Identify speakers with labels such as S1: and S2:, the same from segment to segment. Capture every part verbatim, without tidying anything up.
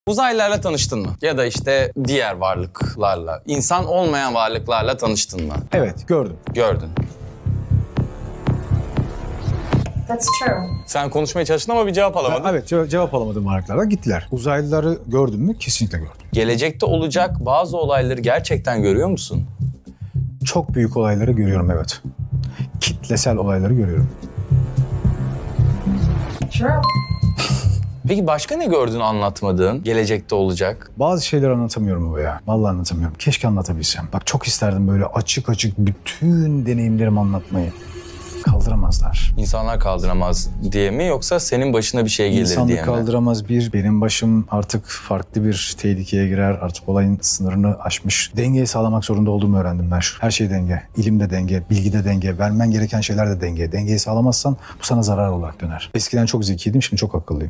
S1: Uzaylılarla tanıştın mı? Ya da işte diğer varlıklarla, insan olmayan varlıklarla tanıştın mı?
S2: Evet, gördüm.
S1: Gördün.
S3: That's true.
S1: Sen konuşmaya çalıştın ama bir cevap alamadın.
S2: Evet, ce- cevap alamadım varlıklardan gittiler. Uzaylıları gördüm mü? Kesinlikle gördüm.
S1: Gelecekte olacak bazı olayları gerçekten görüyor musun?
S2: Çok büyük olayları görüyorum, evet. Kitlesel olayları görüyorum.
S3: True.
S1: Peki başka ne gördün anlatmadığın, gelecekte olacak?
S2: Bazı şeyleri anlatamıyorum bu ya. Vallahi anlatamıyorum. Keşke anlatabilsem. Bak çok isterdim böyle açık açık bütün deneyimlerimi anlatmayı. Kaldıramazlar.
S1: İnsanlar kaldıramaz diye mi yoksa senin başına bir şey gelir
S2: İnsanlık
S1: diye mi?
S2: kaldıramaz bir, benim başım artık farklı bir tehlikeye girer. Artık olayın sınırını aşmış. Dengeyi sağlamak zorunda olduğumu öğrendim ben. Her şey denge. İlim de denge, bilgi de denge, vermen gereken şeyler de denge. Dengeyi sağlamazsan bu sana zarar olarak döner. Eskiden çok zekiydim, şimdi çok akıllıyım.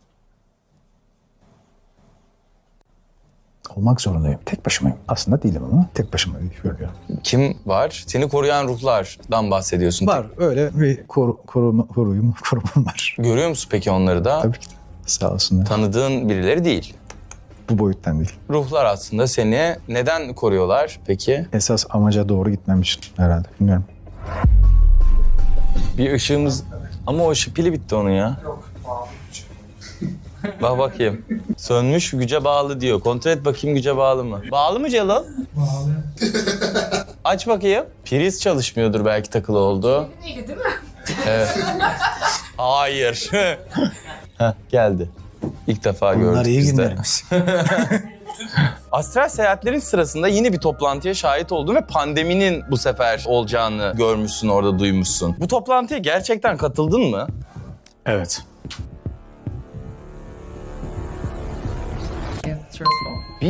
S2: Olmak zorundayım. Tek başımayım. Aslında değilim ama tek başıma görüyorum.
S1: Kim var? Seni koruyan ruhlardan bahsediyorsun.
S2: Var öyle bir koru, koruma, koruyum, korumam var.
S1: Görüyor musun peki onları da?
S2: Tabii ki de. Sağ olsunlar.
S1: Tanıdığın birileri değil.
S2: Bu boyuttan değil.
S1: Ruhlar aslında seni neden koruyorlar peki?
S2: Esas amaca doğru gitmem için herhalde. Bilmiyorum.
S1: Bir ışığımız... Ama o ışık pili bitti onun ya. Bak bakayım. Sönmüş, güce bağlı diyor. Kontrol et bakayım güce bağlı mı? Bağlı mı Celal? Bağlı. Aç bakayım. Priz çalışmıyordur belki takılı oldu.
S3: İyi değil mi?
S1: Evet. Hayır. Heh, geldi. İlk defa gördük
S2: Bunlar iyi
S1: biz de.
S2: günlerimiz.
S1: Astral seyahatlerin sırasında yine bir toplantıya şahit oldun ve pandeminin bu sefer olacağını görmüşsün, orada duymuşsun. Bu toplantıya gerçekten katıldın mı?
S2: Evet.
S3: Yeah, truthful.